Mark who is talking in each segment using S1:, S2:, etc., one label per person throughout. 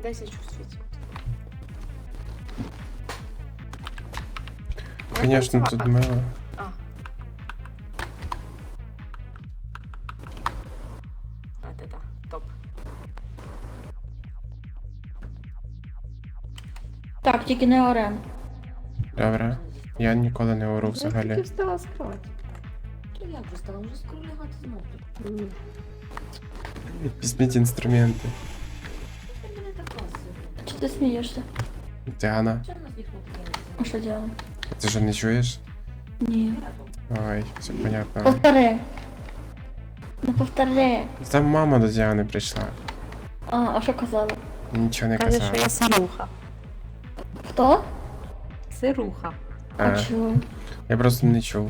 S1: 10 чувствуете.
S2: Конечно, тут мило.
S1: А. Да, топ.
S3: Так, тільки не орем.
S2: Добре. Я ніколи не ору
S4: Я тільки
S2: взагалі.
S4: встала з кровати.
S1: То я вже стала, вже скоро лягати знову.
S2: Візьміть інструменти.
S1: Це мене так класно.
S3: Чи ти смієшся?
S2: Діана,
S1: Чого нас ніхто не
S3: А що діло?
S2: ти ж не чуєш?
S3: Ні.
S2: Ой, все понятно.
S3: Повтори. Ну повтори.
S2: Там мама до Діани прийшла.
S3: А що казала?
S2: Нічого не
S4: Каже, що
S2: казала.
S4: я сируха.
S3: Хто?
S4: Сируха.
S3: А чого?
S2: Я просто не чув.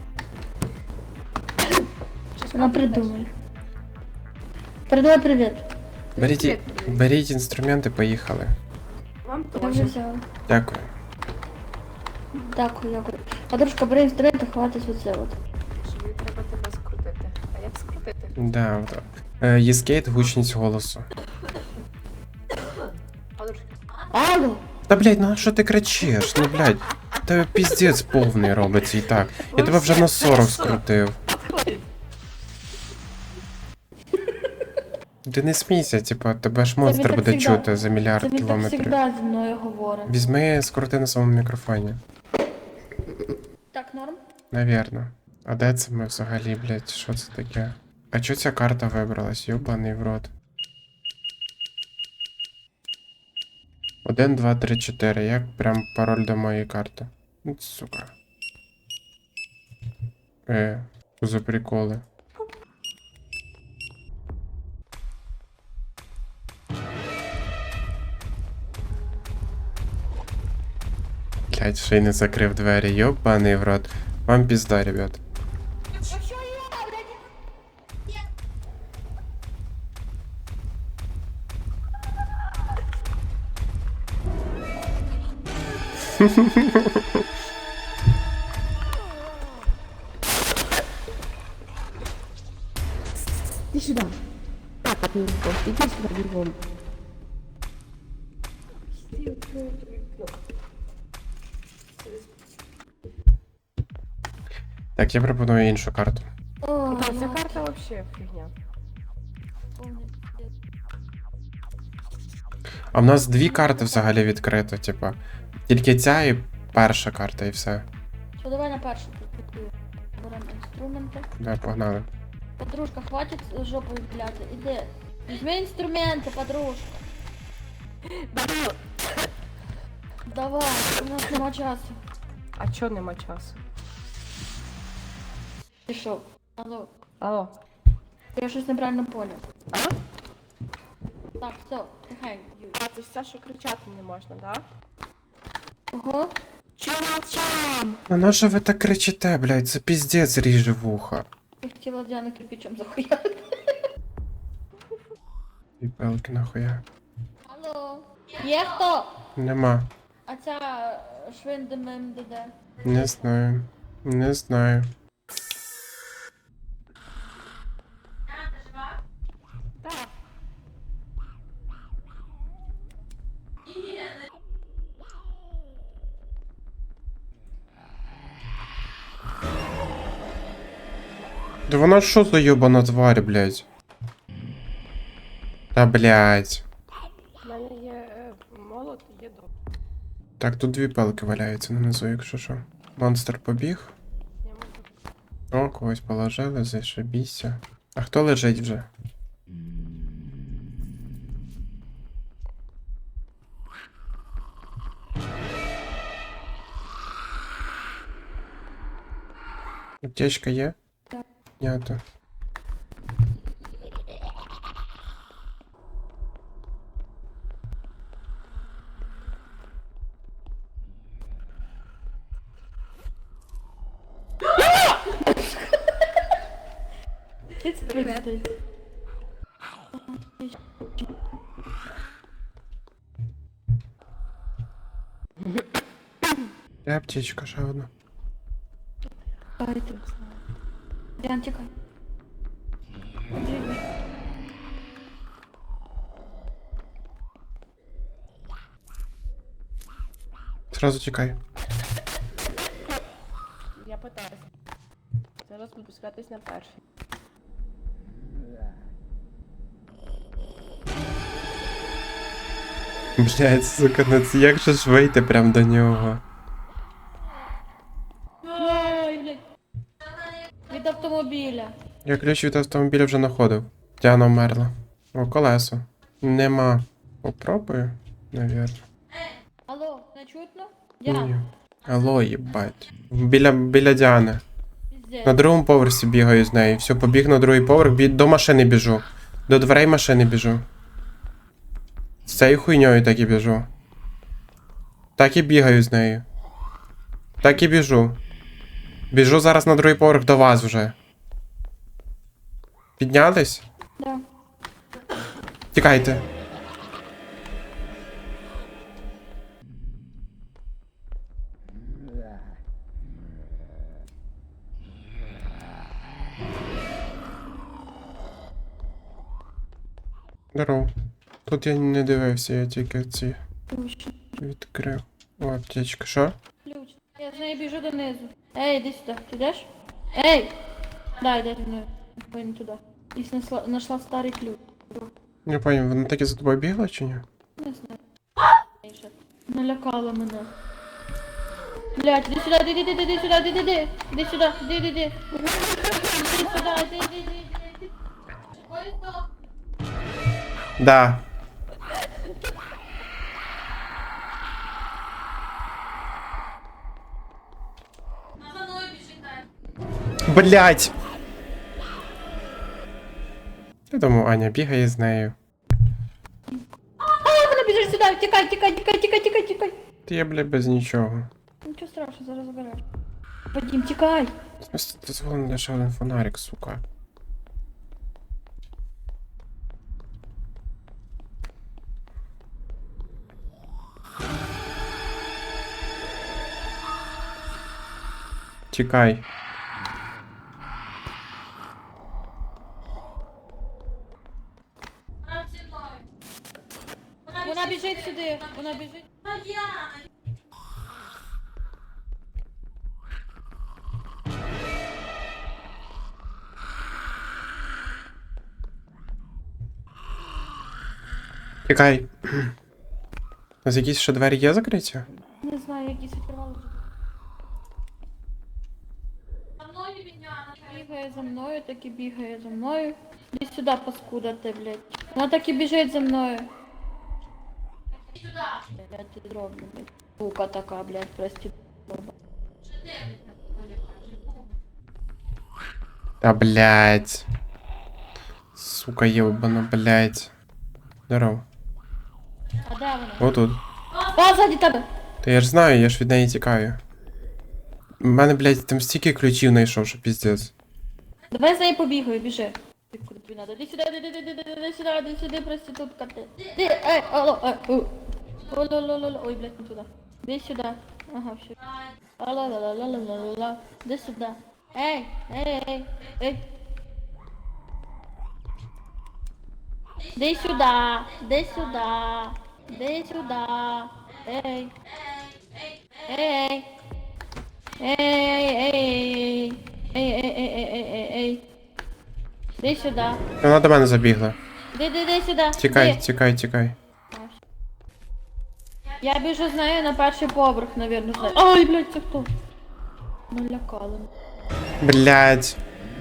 S3: Вона придумай. Передай привіт.
S2: Беріть інструменти, поїхали.
S1: Вам
S3: Я вже
S1: теж.
S3: взяла.
S2: Дякую.
S3: Дякую. Подружка, бери інструмент, хватить оце от.
S1: Тобі треба тебе скрутити. А як скрутити?
S2: Да, от. Є скейт, гучність голосу.
S1: Подружки.
S3: Алло!
S2: Та блядь, ну а що ти кричиш? Ну блядь, тебе піздець повний робиться і так. Я тебе вже на 40 скрутив. Ти не смійся, типа, тебе ж монстр
S3: так
S2: буде
S3: всегда.
S2: чути за
S3: Це
S2: мільярд
S3: він так
S2: кілометрів.
S3: завжди зі мною говорить.
S2: Візьми, скрути на своєму мікрофоні.
S3: Так, норм?
S2: Навірно. А де це ми взагалі, блядь, що це таке? А чо ця карта вибралась? Йобаний в рот. 1, 2, 3, 4. Як прям пароль до моєї карти? Ну, сука. Що за приколи? Блядь, ще й не закрив двері, йобаний в рот. Вам пізда, ребят.
S4: Иди сюда. Так, от него. Иди сюда, бегом.
S2: Так, я пропоную іншу карту.
S3: О,
S4: Да, ця карта вообще фигня.
S2: А в нас дві карти взагалі відкрито, типа. Тільки ця і перша карта, і все.
S3: Що, давай на першу прикрутую. Беремо інструменти.
S2: Да, погнали.
S3: Подружка, хватить жопою пляти. Іди. Візьми інструменти, подружка. Давай, у нас нема часу.
S4: А чо нема часу?
S3: Пішов. Алло,
S4: Алло.
S3: я щось неправильно поняв.
S4: А?
S3: Так, все, тихай, Юль.
S4: А, це все, що кричати не можна, да?
S3: Ого.
S4: Чо молчам?
S2: Ну на що ви так кричите, блядь? Це піздець ріже вуха.
S3: Я хотіла Діану кирпичом захуяти.
S2: І пелки нахуя.
S3: Алло. Є хто?
S2: Нема.
S3: А ця швиндемем де?
S2: Не знаю. Не знаю.
S4: Так.
S2: Да вона що за йобана тварь, блядь? Та блядь.
S4: У мене є молот і є дроб.
S2: Так, тут дві пелки валяються нанизу, якщо що. Монстр побіг.
S4: Я можу.
S2: О, когось положили, зашибіся. А хто лежить вже? Аптечка є?
S3: Так.
S2: Нято.
S3: Привет.
S2: Де аптечка, ще одна.
S3: Діан, тікай.
S2: Сразу тікай.
S4: Я питаюся. Зараз буду спускатись на перший.
S2: Блядь, сука, ну це як же ж вийти прям до нього?
S3: Ой, блядь. Від автомобіля.
S2: Я ключ від автомобіля вже знаходив. Діана вмерла. О, колесо. Нема. Попробую, навірно.
S3: Алло, не чутно?
S2: Ні.
S3: Діана,
S2: Алло, їбать. Біля Діани.
S3: піздець.
S2: На другому поверсі бігаю з нею. Все, побіг на другий поверх, до машини біжу. До дверей машини біжу. З цією хуйньою так і біжу. Так і бігаю з нею. Так і біжу. Біжу зараз на другий поверх до вас вже. Піднялись?
S3: Да.
S2: Тікайте. Здорово. Тут я не дивився, я тільки ці
S3: Ключ.
S2: відкрив. О, аптечка, що?
S3: Ключ. Я з нею біжу донизу. Ей, іди сюди. Ти йдеш? Ей! Да, йди зі мною. Пойди туди. І знайшла старий ключ.
S2: Не понял, вона таки за тобою бігла чи ні?
S3: Не знаю. Налякала мене. Блять, іди сюди, іди сюди, іди. Іди сюди, іди. Іди сюди, іди.
S2: Да. Блять! Я думаю, Аня бігає з нею.
S3: А, вона біжить сюди, тікай.
S2: Ти я, бля, без нічого.
S3: Нічого страшного, зараз забереш. Вадим, тікай.
S2: В смысле, дозволений лише один фонарик, сука. Тікай.
S3: Вона біжить сюди, вона біжить.
S2: Тікай. У нас якісь ще двері є закриті?
S3: Не знаю, якісь відкривали вже. Бігає за мною, так і бігає за мною. Іди сюди, паскуда ти, блядь. Вона так і біжить за мною. Я ти зроблю, блядь. Сука така, блядь, прости.
S2: Та блять. Сука, ебана, блять. Здорово.
S3: А де вона?
S2: Отут.
S3: А, ззаді тебе!
S2: Та я ж знаю, я ж від неї тікаю. У мене, блять, там стільки ключів знайшов, що піздець.
S3: Давай за нею побігаю, біжи. Куди тобі надо? Іди сюди, іди сюди, проститутка ти. Ей, алло, Ой, ой, блядь, не туди. Іди сюди. Ага, все. Алло, іди сюди. Ей. Іди сюди. Ей. Іди сюди.
S2: Вона до мене забігла.
S3: Іди сюди.
S2: Тікай.
S3: Я біжу з нею на перший поверх, навірно, з нею. Ой, блядь, це хто? Налякали.
S2: Блять.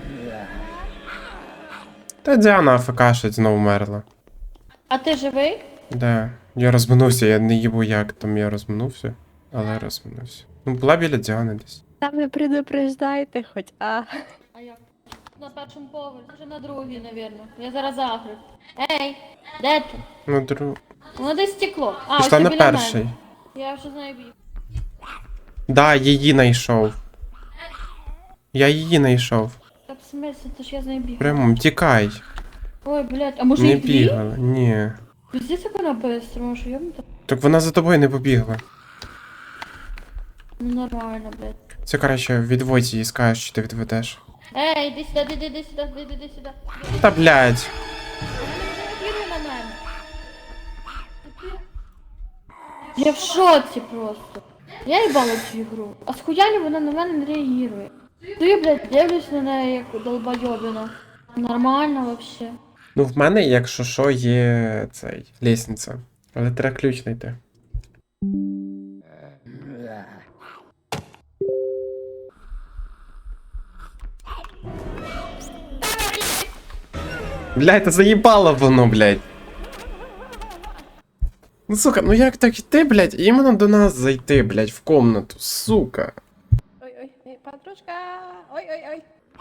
S2: Та Діана АФКшить знову вмерла.
S3: А ти живий?
S2: Да. Я розминувся, я не їбу як там я розминувся, але розминувся. Ну, була біля Діани десь.
S4: Там не предупреждайте хоч, а.
S3: А як? На першому поверсі, вже на другій, навірно. Я зараз загрю. Ей, де ти?
S2: Ну, друг.
S3: Воно десь стекло. А,
S2: Пішла
S3: ось
S2: на
S3: біля
S2: перший.
S3: мене. Я вже з нею біг.
S2: Да, її знайшов. Я її знайшов.
S3: Так, в смысле, то ж я з нею біг.
S2: Прямо, тікай.
S3: Ой, блядь, а може
S2: Не
S3: їх дві?
S2: бігала, ні.
S3: Пиздец, як вона быстро, що я так.
S2: Так вона за тобою не побігла.
S3: Ну нормально, блядь.
S2: Це краще відводь її, скажеш, що ти відведеш.
S3: Ей, іди сюди, іди сюди.
S2: Та блядь.
S3: Вона не реагує на мене. Я в шоці просто. Я їбала цю ігру. А схуялі вона на мене не реагує. Ти, блядь, дивлюсь на неї як долбойобіна. Нормально вообще.
S2: Ну, в мене, якщо що, є цей лестниця. Але треба ключ знайти. Блядь, та заїбало воно, блядь. Ну, сука, ну як так йти, блядь, і іменно до нас зайти, блядь, в комнату, сука.
S4: Ой, подружка. Ой.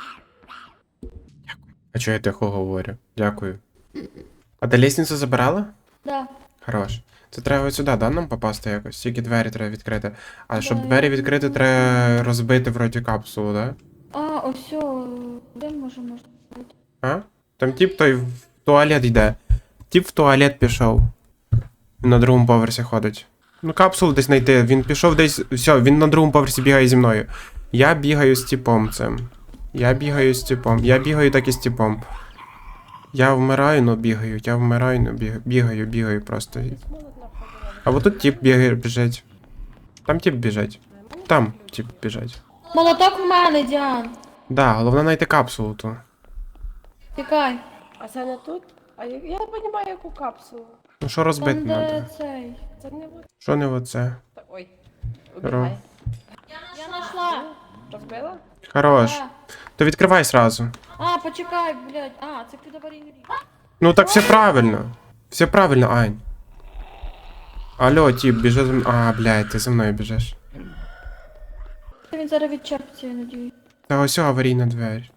S2: А чого я тихо говорю? Дякую. А ти лестницю забирала?
S3: Да.
S2: Хорош. Це треба ось сюди, да, нам попасти якось? Тільки двері треба відкрити. А щоб
S3: Да,
S2: двері
S3: я
S2: відкрити,
S3: знаю.
S2: треба розбити вроді капсулу, да?
S3: А, ось, де можна бути?
S2: А? Там тип той в туалет йде. Тип в туалет пішов. Він на другому поверсі ходить. Ну, капсулу десь знайти. Він пішов десь. Все, він на другому поверсі бігає зі мною. Я бігаю з типом цим. Я бігаю з типом. Я бігаю так і з типом. Я вмираю, но бігаю. Я вмираю, но бігаю просто. А вот тут тип бігає, біжить. Там тип біжить. Там тип біжить.
S3: Молоток в мене, Діан.
S2: Да, головне знайти капсулу ту.
S3: Тікай.
S4: А це не тут? А я не розумію, яку капсулу.
S2: Ну що розбити
S3: Там,
S2: треба?
S3: де цей.
S4: Це не от.
S2: Що не оце?
S4: Ой. Убігай.
S3: Я знайшла.
S4: Розбила?
S2: Хорош.
S3: Да.
S2: То відкривай сразу.
S3: А, почекай, блядь. А, це під аварійний рік.
S2: Ну так все правильно. Все правильно, Ань. Алло, тип, біжи за мною. А, блядь, ти за мною біжиш.
S3: Він зараз відчепиться, я надію.
S2: Та ось аварійна двері.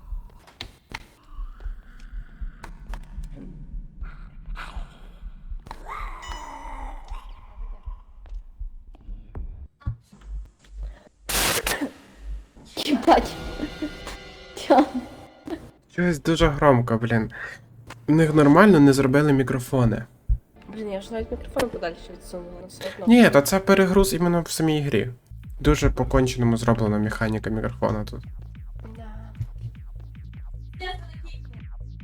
S3: Єбать. Діан.
S2: Щось дуже громко, блін. У них нормально не зробили мікрофони.
S4: Блін, я ж навіть мікрофон подальше відсунула, але все одно.
S2: Ні, то це перегруз іменно в самій грі. Дуже по-конченому зроблена механіка мікрофона тут.